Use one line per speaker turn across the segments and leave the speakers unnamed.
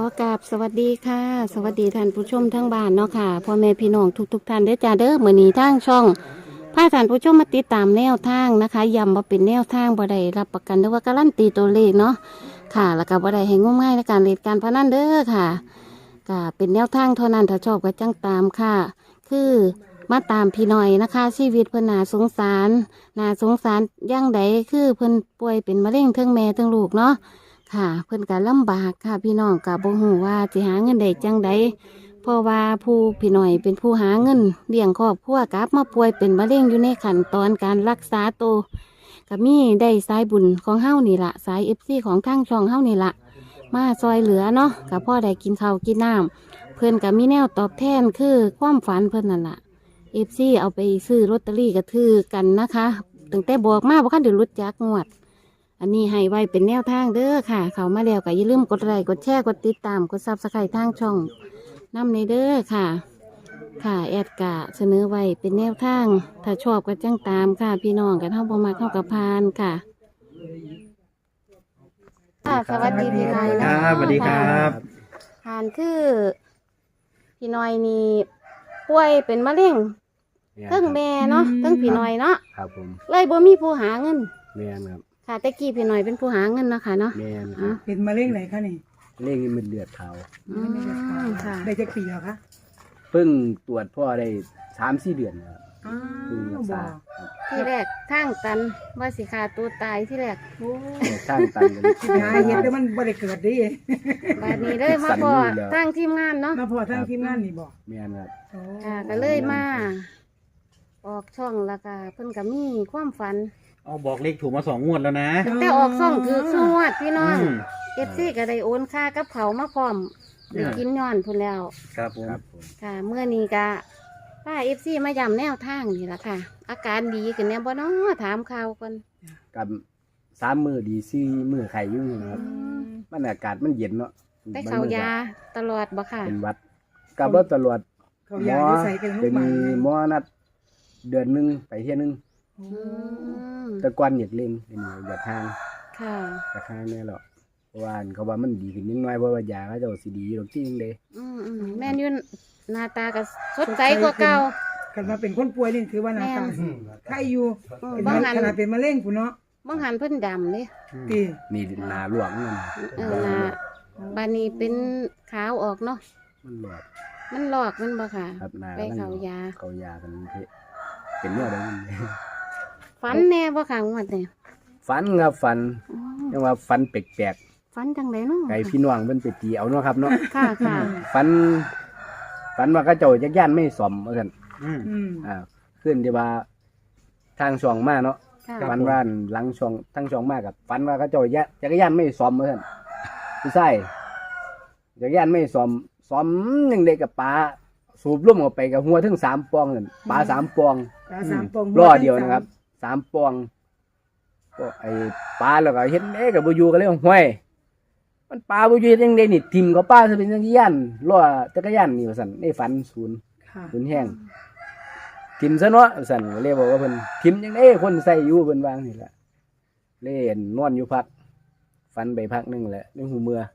อกราบสวัสดีค่ะสวัสดีท่านผู้ชมทั้งบ้านเนาะค่ะพ่อแม่พี่น้องทุกท่านได้อจ้าเด้อมื้อนี้ทางช่องพาท่านผู้ชมมาติดตามแนวทางนะคะย้ำว่าเป็นแนวทางบ่ได้รับประกันหรือว่าการันตีตัวเลขเนาะค่ะแล้วก็บ่ได้ให้งมงายในการเล่นการพนันเด้อค่ะก็เป็นแนวทางเท่านั้นถ้าชอบก็จังตามค่ะ คือมาตามพี่หน่อยนะคะชีวิตเพิ่นน่าสงสารย่างใดคือเพิ่นป่วยเป็นมะเร็งทั้งแม่ทั้งลูกเนาะ ค่ะเพิ่นก็ลำบากค่ะพี่น้องก็บ่ฮู้ว่าสิหาเงินได้จังใดเพราะว่าผู้พี่น้อยเป็นผู้หาเงินเลี้ยงครอบครัวกลับมาป่วยเป็นมะเร็งอยู่ในขั้นตอนการรักษาตัวก็มีได้สายบุญของเฮานี่ล่ะสาย FC ของทางช่องเฮานี่ล่ะมาซอยเหลือเนาะก็พ่อได้กินข้าวกินน้ำเพิ่นก็มีแนวตอบแทนคือความฝันเพิ่นนั่นล่ะ FC เอาไปซื้อลอตเตอรี่ก็ถือกันนะคะตั้งแต่บอกมาบ่คันได้รู้จักงวด อันนี้ให้ไว้เป็นแนวทางเด้อค่ะ เขามาแล้วก็อย่าลืมกดไลค์กดแชร์กดติดตามกดซับสไครต์ทางช่องนำในเด้อค่ะ ค่ะแอดกะเสนอไว้เป็นแนวทาง ถ้าชอบก็จังตามค่ะ พี่น้องกันเท่าประมาเข้ากับพานค่ะค่ะสวัสดีพี่น้อย
ค
นะ
รับสวัสดีครับ
พานคือพี่น้อยนี่ป่วยเป็นมะเร็งเทั้งแม่เนาะเทั้งพี่น้อยเนาะ
ครับผม
เลยบ่มีผู้หาเงิน
แม่นครับ
ค่ะแต่กี้พี่น้อยเป็นผู้หาเงินเนาะค่ะเนาะ
แม่นค
อ๋
รั
อ
บ
เป็นมะเร็งไหนคะนี่
เร่งมันเลือดขาว
อืมค่ะ
ได้จักปีแล้วคะ
เพิ่งตรวจพ่อได้3-4 เดือนครับ
อ้า
เพิ่งรั
ว
ก
บอ
ษาก
ที่แรกทางตันว่าสิขาตัวตายที่แรก
โอ้
ข้างตันกัน
ยายเห็นแต่มันบ่ได้เกิดดิ
บาดนี้เลยมาพอทางทีมงานเนาะ
มาพอทางทีมงานนี่บอก
แม่นครับ
โอ้
ค่ะก็เลยมาออกช่องแล้วก็เพิ่นก็มีความฝัน
เอาบอกเลขถูกมา2 งวดแล้วนะ
แต่ออกช่องถือสวดพี่น้อง
อืม
เอฟซีก็ได้โอนค่ากับเขาวมาพร้อมได้กินย้อนพุ่นแล้ว
ครับผม
ครับผม
ค่ะ เมื่อนี้ก็ป้าเอฟซีมาย้ำแนวทางนี่ล่ะค่ะ อาการดีขึ้นแน่บ่เนาะถามข่าวก่อน
กับ3 มื้อดี4 มื้อไข้อยู่นะครับมันอากาศมันเย็นเนาะ
ได้เขายาตลอดบ่ค่ะ
เป็นหวัดกับบ่ตลอด
เขายาอยู่ใส่กันลู
เป็
ก
น
หมา
หมอนัดเดือนหนึงไปเที่ยนึง
โอ้
อืม
แต่ก่อนอยากเล่นเป็นอยากทาง
ค่ะ
อยากทางแน่หรอกเพราะว่าเขาว่ามันดีขึ้นนิดหน่อยเพราะว่ายาเขาเจ้าสิดีอยู่ดอกที่นึงเด้
แม่นอยืนหน้าตาก็สดใสกว่าเก่า
กันมาเป็นคนป่วยนี่ถือว่าหนาตาไข้อยู่ เป็น
บาง
มะ
หัน
ขนาดเป็นมะเร็งพุ่นเนาะ
บางหันเพิ่นดำเลย
ตี
นี่หนาหลวงมัน
หน้าบานนี้เป็นขาวออกเนาะ
มันหลวง
มันหลอกมันบ่ค่ะ
ครับหนา
ไปเขายา
เขายากันเพะเป็นเนื้อได้มัน
ฝันแน่บ่ค่ะงวดเนี่ย
ฝันครับฝัน
อ๋อ
ยังว่าฝันแปลก
ฝันจังไดเนาะ
ๆไก่พี่น้องเพิ่นไปตีเอาเนาะครับเนาะ
ค่ะค่ะ
ฝันว่าเขาเจ้าจักย่านไม่ซ่อมว่าซั่น
อืม
อืม
ขึ้นที่ว่าทางช่องมาเนาะ
ค่ะ
ฝันว่าหลังช่องทางช่องมากับฝันว่าเขาเจ้าจักรยานไม่ซ่อมว่าซั่นผู้ชายจักรยานไม่ซ่อมจังได๋กับปลาสูบลมออกไปกับหัวถึง3ปองนั่นปลา3ปอง
ปลาสามปอง
ล้อเดียวนะครับ3ปองก็ไอ้ปลาแล้วก็เห็นกับบ่อยู่ก็เลยว่าห้วยมันปลาบ่อยู่จังได๋นี่ทิ่มกับปลาซะเป็นจักรยานล้อจักรยานนี่ว่าซั่นในฝันศูนย์
ค่ะ
ศูนย์แห้งทิ่มซะเนาะว่าซั่นก็เลยบอกว่าเพิ่นทิ่มจังได๋คนใส่อยู่เพิ่นวาจังนี่ล่ะเล่นนอนอยู่พักฝันไปพักหนึงแหละในหูเมื่อ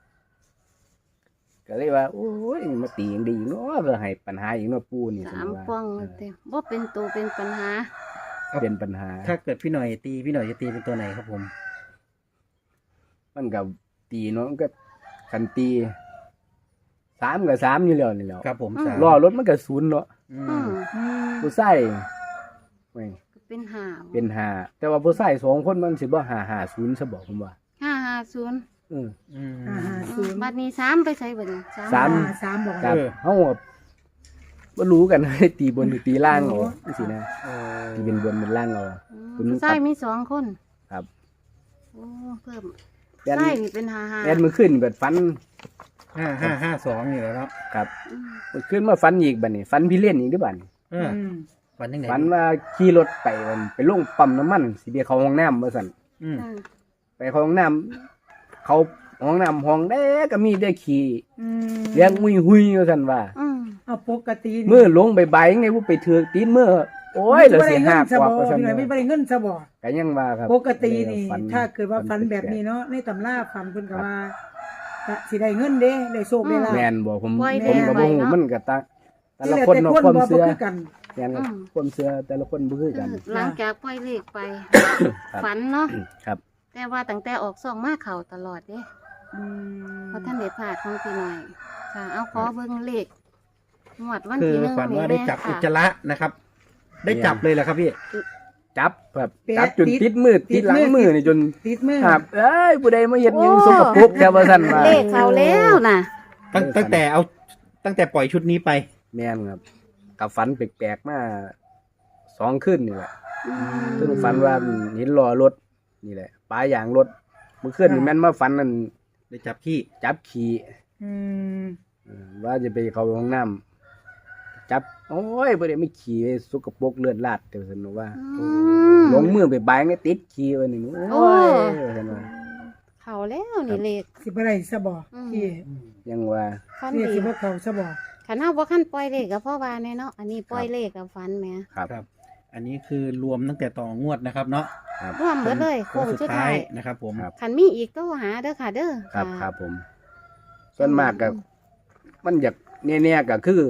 ก็เลยว่าโอ้ยมาตีจังดีเนาะเพื่อให้ปัญหาอีกเนาะปู่นี่
สาม
ว่า
ป้องแต่บ่เป็นตัวเป็นปัญหา
เป็นปัญหา
ถ้าเกิดพี่หน่อยตีพี่หน่อยจะตีเป็นตัวไหนครับผม
มันก็ตีเนาะมันก็คันตี3กับ3อยู่แล้วนี่แหล้ว
ครับผม
อืม
สาม
ล้อรถมันก็ศูนย์เนาะ
อื
อื
ม
ม
อืม
ผู้ชายแม่ง
ก็เป็นหาว
เป็น5แต่ว่าผู้ชาย2คนมันสิบ่550ซะบอกผมว่า
550
อือ
อืม
ศูนย์
บัดนี้3ไปใส่บัดนี้
สาม
สามบอก
ครับ
เออ
เฮาก็บ่รู้กัน ตีบนหรือตีล่างเอาจังซี่นะ
เออ
ตีเป็นบนเป็นล่างเอา คุณ
ผู้ชายมี2คน
ครับ
โอ้เพิ่ม
แอน
ชายนี่เป็น55
แอนมื้อคืนเบิดฝัน
5552นี่แหละเนาะ
ครับ
อืม
มื้อคืนมาฝันอีกบัดนี้ฝันพี่เล่นอีกเด้อบัดนี้
เออ
อืม
ฝันยังไง
ฝันว่าขี่รถไปมันไปลงปั๊มน้ำมันสิไปเข้าห้องน้ำว่าซั่น
อืม
ค่ะ
ไปเข้าห้องน้ำเขาห้องน้ำห้องใดก็มีแต่ขี้
อืม
เลี้ยงหุยๆว่าซั่นว่า
อืม
เอาปกติ
มือลงใบๆยังไงบ่ไปถือกตีนมือโอ้ยเหลือสิหักกว่าว่าซั่น
พี่หน่อยไม่ได้เงินซะบ่
ก็ยังว่าครับ
ปกตินี่
ฝั
ถ้าเกิดว่าฝันแบบ
ๆ
นี้เนาะในตำราฝันเพิ่นก็ว่า ถก็สิได้เงินเด้ได้โชคได้ลาภ
แม่นบ่ผม
ปล่อย
ผมก็บ่ฮู้
แม่ไว้เนาะ
มันก็แต่ละ
ที่
คนเนาะความ
บ่
เชื่อ
คือกัน
แม่นครับ
อืม
ความเชื่อแต่ละคนบ่คือกัน
หลังจากปล่อยเลขไป
ครับ
ฝันเนาะ
ครับ
แต่ว่าตั้งแต่ออกซองมาเข่าตลอดเด้
อืม
เพราะท่านเด็ดพลาดของพี่หน่อย ค่ะ เอาขอเบิ่งเลขงวดวัน
คือ
ที่หนึ่ง
ฝันว่าได้จับ
ค่ะ
อุจจาระนะครับ ได้จับเลยเหรอครับพี่
จับแบบจับจนติดมือติดหลังมือนี่จน
ติดมือ
ครับเอ้ยผู้ใดมาเฮ็ดหยังสกปรกแค่ว่าซั่นว่า
เลขเขาแล้วน่ะ
ตั้งแต่ปล่อยชุดนี้ไป
แม่นครับกับฝันแปลกๆมา2คืนนี่แหละ
อืม
ซึ่งฝันว่าเห็นล้อรถนี่แหละปลายางรถเมื่อคืนนี่แม่นมาฝันนั่น
ได้จับขี้
จับขี่
อืม
ว่าจะไปเข้าห้องน้ำจับโอ้ยบ่ได้ไม่ขี่ไปสกปรกเลือดลาดเดี๋ยวซั่นว่า
อืม
ลงมือไปบายไงติดขี่ไว้นี่โอ้ยซั่นว่า
เขาแล้วนี่เลข
สิบ่ได้ซะบ่
อืม
ที่
ยังว่า
ฟัน
ที่
ดี
สิบ่เข้าซะบ่
ขันเอาบ่ขั้นปล่อยเลขกับพ่อวาแน่เนาะ อันนี้ปล่อยเลขกับฟันแหม่
ครับ
ครับ อันนี้คือรวมตั้งแต่ต่องวดนะครับเนาะ
ครับ
ร่วมเบิดเลยโค้งสุดท้าย
นะครับผม
ครับ
ขันมีอีกก็หาเด้อค่ะ เด้อ
ครับ
ะ
ครับผม ส่วนมากก็มันอยากเนี่ยก็คือ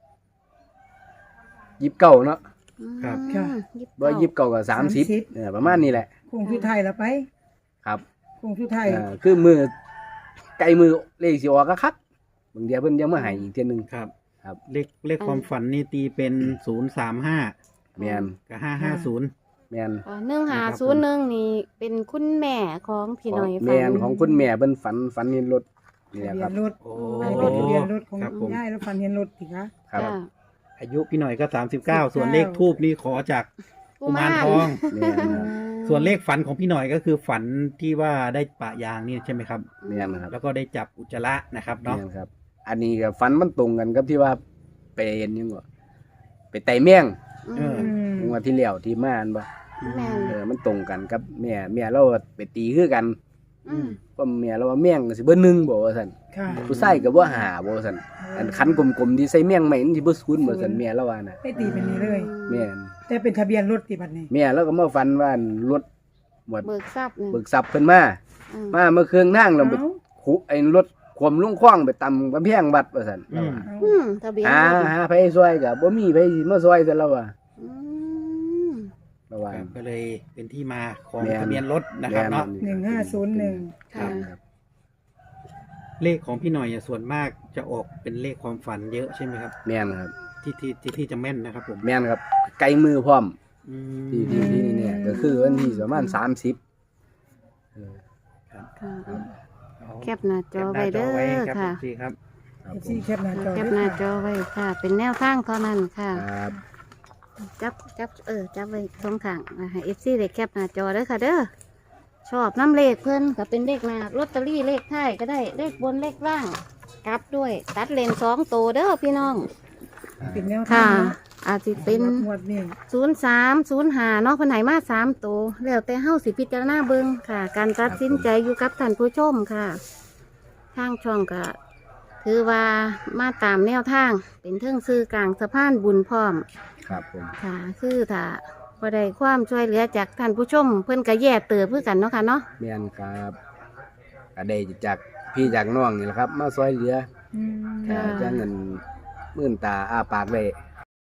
29เนาะ
อืม
ครับ
บ่29ก็30เนี่ยประมาณนี้แหละ
คงสุดท้ายแล้วไป
ครับ
คงสุดท้าย
คือมือไกลมือเลขสิออกก็คักบางเดียวเพิ่นยังมาให้อีกเทื่อนึง
ครับ
ครับ
เลขความฝันนี่ตีเป็น035
แม่น
กับ550
แม่น
1501นี่เป็นคุณแม่ของพี่หน่อย
แม่น
ฝัน
ของคุณแม่เพิ่นฝันเห็นรถนี่แห
ทะ
ละ
เบี
ค
ย
รับ
นรถ
โอ้
อันนี้เป็นทะเบียนรถของ
ครับผม
ยายแล้วฟันเห็นรถสิคะ
ครับ
จ้า
อายุพี่หน่อยก็39 ส่วนเลขทูบนี่ขอจากกุมารทอง
แม่นครับ
ส่วนเลขฝันของพี่หน่อยก็คือฝันที่ว่าได้ปะยางนี่ใช่ไหมครับ
แม่นครับ
แล้วก็ได้จับอุจจาระนะครับเนาะ
แม่นครับ อันนี้ก็ฝันมันตรงกันกับที่ว่าไปเห็นยังบ่ไปไต่แมง
เออ
งวดที่แล้วที่มาอันบ่
แม่น
มันตรงกันกับแม่เราไปตีคือกัน
อืม
เพราะแม่เราว่าแมงก็สิเบ่1บ่ว่าซั่น
ค่ะ
ผู้ชายก็บ่หาบ่ว่าซั่นอันคันกลมๆที่ใส่แมงใหม่มันสิบ่ศูนย์บ่ซั่นแม่เราว่าน่ะ
ไม่ตีเป็นนี้เลย
แม่น
แต่เป็นทะเบียนรถติบัดนี้
แม่เราก็มาฝันว่ารถหมด
เบิกทรัพย์นี่
เบิกทรัพย์เพิ่นมา
อืม
มาเมื่อเครื่องทางเราไป
เอ้า
ขุไอ้รถขวมลุงคว้างไปตำกำแพงวัดว่าซั่น
อืม
เอ้า
อืมทะเบียน
หาร
ถ
หาไผซอยก็บ่มีไผมาซอยซะแล้วว่า
อืม
ระว่า
ครับก็เลยเป็นที่มาของ
แม่น
ทะเบียนรถนะครับเนาะ
1501
ค่ะ
เลขของพี่หน่อยส่วนมากจะออกเป็นเลขความฝันเยอะใช่ไหมครับ
แม่นครับ
ที่จะแม่นนะครับผม
แม่นครับ ไกลมือพร้อม
อืม
ที่นี่เนี่ยก็คือวันที่ประมาณ30เออ
ค่ะ
เอา
แคปหน้าจอไว้เด้อ
แคปหน้าจอไว้ครับ
ค่ะ
พี่ครับ
ครับ
เอฟ
ผ
ซี
ม
แคปหน้าจอ
แคปหน้าจอไว้ค่ะ เป็นแนวทางเท่านั้นค่ะ
ครับ
จับจับไว้ตรงข้างนะคะ FC เด็กแคปหน้าจอเด้อค่ะเด้อ ชอบน้ำเลขเพิ่นก็เป็นเลขหน้าลอตเตอรี่เลขท้ายก็ได้ เลขบนเลขล่าง กลับด้วย ตัดเลน2ตัวเด้อพี่น้อง
เป็นแนวทา
ค่ะ
ง
อาจจะเป็น
งวดนี้
0305เนาะเพิ่นให้มา3ตัวแล้วแต่เฮาสิพิจารณาเบิ่งค่ะ การตัดสินใจอยู่กับท่านผู้ชมค่ะ ทางช่องก็ถือว่ามาตามแนวทาง เป็นเทิงซื้อกลางสะพานบุญพร้อม
ครับผม
ค่ะ คือถ้าบ่ได้ความช่วยเหลือจากท่านผู้ชม เพิ่นก็แย่เติบเพื่อกันเนาะค่ะเนาะ
แม่นครับก็ได้จากพี่จากน้องนี่แหละครับ มาซอยเหลือ
อืม
ค่ะ
จังเงินมื่นตาอ้าปากได้